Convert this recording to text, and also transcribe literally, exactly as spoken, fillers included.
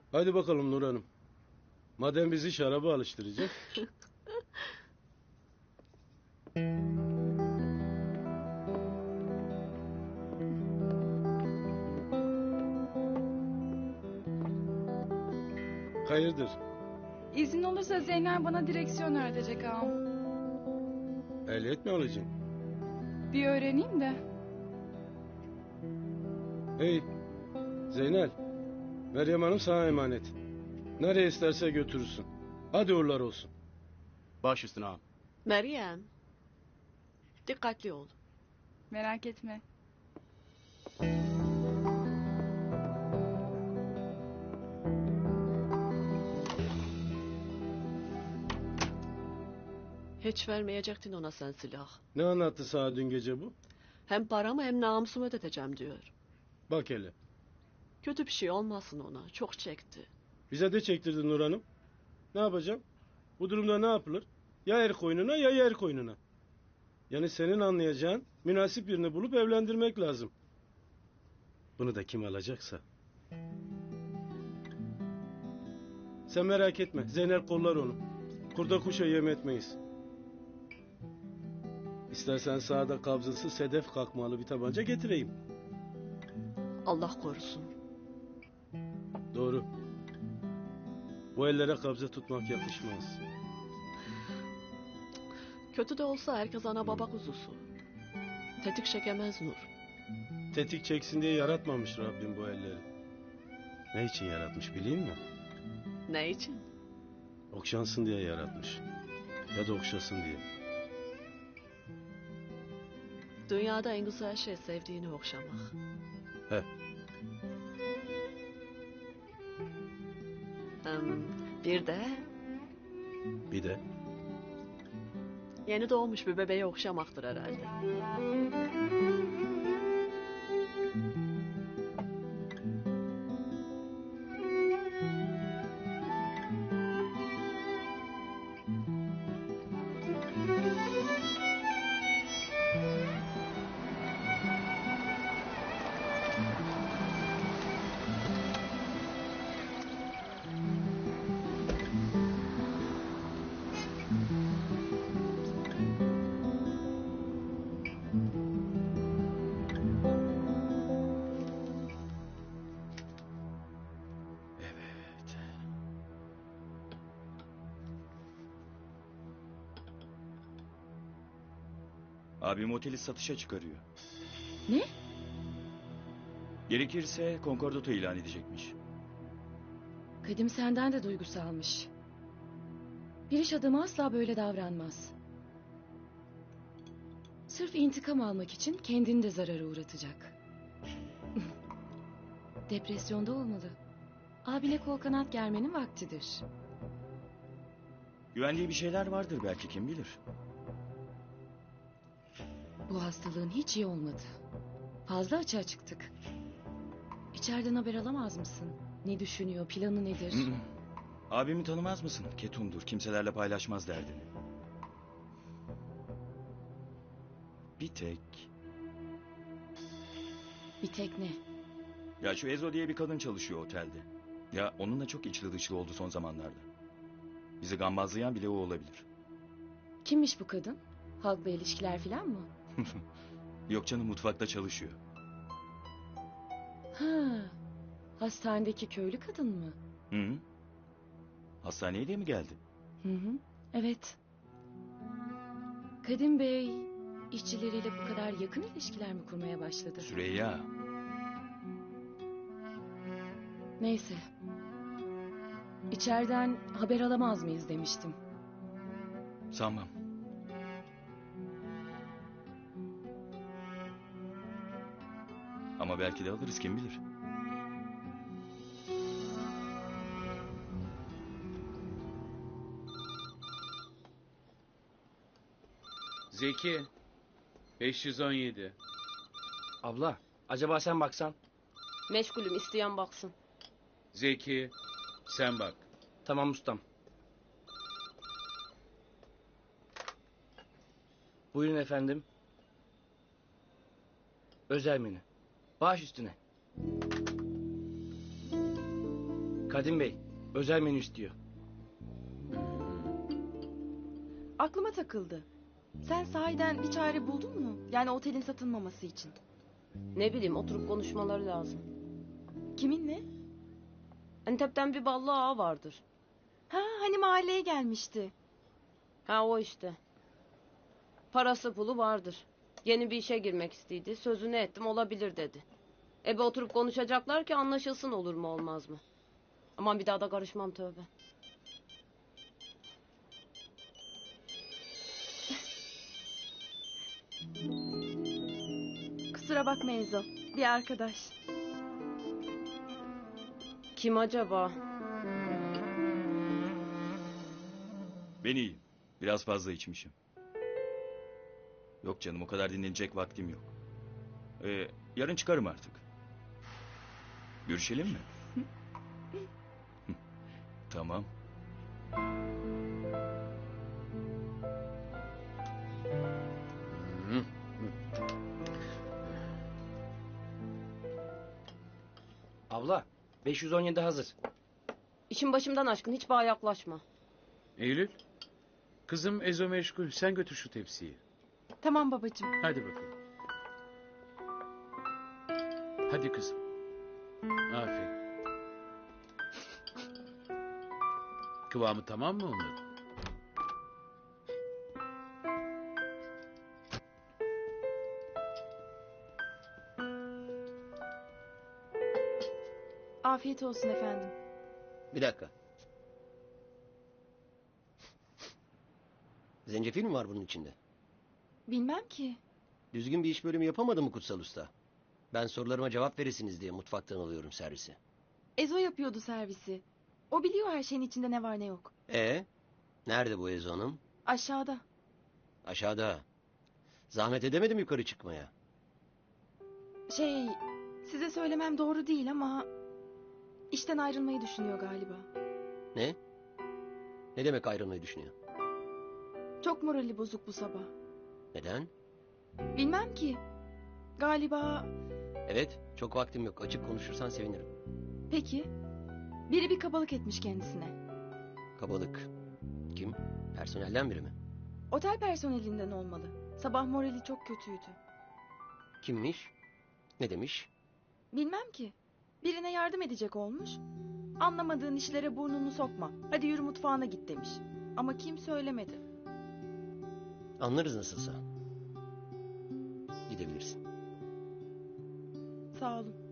Hadi bakalım Nur Hanım. Madem bizi şaraba alıştıracak. Hayırdır? İzin olursa Zeynel bana direksiyon öğretecek ağam. Ehliyet mi alacaksın? Bir öğreneyim de. Hey Zeynel. Meryem Hanım sana emanet. Nereye isterse götürürsün. Hadi uğurlar olsun. Baş üstüne ağam. Meryem. Dikkatli ol. Merak etme. Hiç vermeyecektin ona sen silah. Ne anlattı sana dün gece bu? Hem paramı hem namusumu ödeteceğim diyor. Bak hele. Kötü bir şey olmasın ona. Çok çekti. Bize de çektirdi Nur Hanım. Ne yapacağım? Bu durumda ne yapılır? Ya er koynuna ya yer koynuna. Yani senin anlayacağın münasip birini bulup evlendirmek lazım. Bunu da kim alacaksa. Sen merak etme. Zeynel kollar onu. Kurda kuşa yem etmeyiz. İstersen sağda kabzası sedef kakmalı bir tabanca getireyim. Allah korusun. Doğru. Bu ellere kabze tutmak yakışmaz. Kötü de olsa herkes ana baba kuzusu. Tetik çekemez Nur. Tetik çeksin diye yaratmamış Rabbim bu elleri. Ne için yaratmış bileyim mi? Ne için? Okşansın diye yaratmış. Ya da okşasın diye. Dünyada en güzel şey sevdiğini okşamak. He. Hem bir de Bir de yeni doğmuş bir bebeği okşamaktır herhalde. Evet. Abim oteli satışa çıkarıyor. Ne? Gerekirse konkordato ilan edecekmiş. Kadim senden de duygusalmış. Bir iş adamı asla böyle davranmaz. Sırf intikam almak için kendini de zarara uğratacak. Depresyonda olmalı. Abine kol kanat germenin vaktidir. Güvendiği bir şeyler vardır belki, kim bilir. Bu hastalığın hiç iyi olmadı. Fazla açığa çıktık. İçeriden haber alamaz mısın? Ne düşünüyor, planı nedir? Hı hı. Abimi tanımaz mısın? Ketumdur, kimselerle paylaşmaz derdini. Bir tek... Bir tek ne? Ya şu Ezo diye bir kadın çalışıyor otelde. Ya onunla çok içli dışlı oldu son zamanlarda. Bizi gambazlayan bile o olabilir. Kimmiş bu kadın? Halkla ilişkiler falan mı? Yok canım, mutfakta çalışıyor. Ha, hastanedeki köylü kadın mı? Hı hı. Hastaneye de mi geldi? Hı hı, evet. Kadim Bey işçileriyle bu kadar yakın ilişkiler mi kurmaya başladı? Süreyya. Neyse. İçeriden haber alamaz mıyız demiştim. Sanmam. Ama belki de alırız, kim bilir. Zeki. beş yüz on yedi. Abla, acaba sen baksan? Meşgulüm, isteyen baksın. Zeki. Sen bak. Tamam ustam. Buyurun efendim. Özel menü. Baş üstüne. Kadim Kadim Bey özel menü istiyor. Aklıma takıldı. Sen sahiden bir çare buldun mu? Yani otelin satılmaması için. Ne bileyim oturup konuşmaları lazım. Kiminle? Antep'ten bir ballı ağa vardır. Ha hani mahalleye gelmişti. Ha o işte. Parası pulu vardır. Yeni bir işe girmek istedi. Sözünü ettim olabilir dedi. Ebe oturup konuşacaklar ki anlaşılsın olur mu olmaz mı? Aman bir daha da karışmam tövbe. Kusura bakma Ezo. Bir arkadaş. Kim acaba? Ben iyiyim. Biraz fazla içmişim. Yok canım o kadar dinlenecek vaktim yok. Ee, yarın çıkarım artık. Görüşelim mi? Tamam. Abla beş yüz on yedi hazır. İşin başımdan aşkın hiç bana yaklaşma. Eylül. Kızım Ezo meşgul. Sen götür şu tepsiyi. Tamam babacığım. Hadi bakalım. Hadi kızım. Aferin. Kıvamı tamam mı onların? Afiyet olsun efendim. Bir dakika. Zencefil mi var bunun içinde? Bilmem ki. Düzgün bir iş bölümü yapamadı mı Kutsal Usta? Ben sorularıma cevap verirsiniz diye mutfaktan alıyorum servisi. Ezo yapıyordu servisi. O biliyor her şeyin içinde ne var ne yok. E, nerede bu Ezo Hanım? Aşağıda. Aşağıda. Zahmet edemedim yukarı çıkmaya. Şey, size söylemem doğru değil ama... işten ayrılmayı düşünüyor galiba. Ne? Ne demek ayrılmayı düşünüyor? Çok morali bozuk bu sabah. Neden? Bilmem ki. Galiba... Evet, çok vaktim yok. Açık konuşursan sevinirim. Peki. Biri bir kabalık etmiş kendisine. Kabalık. Kim? Personelden biri mi? Otel personelinden olmalı. Sabah morali çok kötüydü. Kimmiş? Ne demiş? Bilmem ki. Birine yardım edecek olmuş. Anlamadığın işlere burnunu sokma. Hadi yürü mutfağına git demiş. Ama kim söylemedi. Anlarız nasılsa. Gidebilirsin. Sağ olun.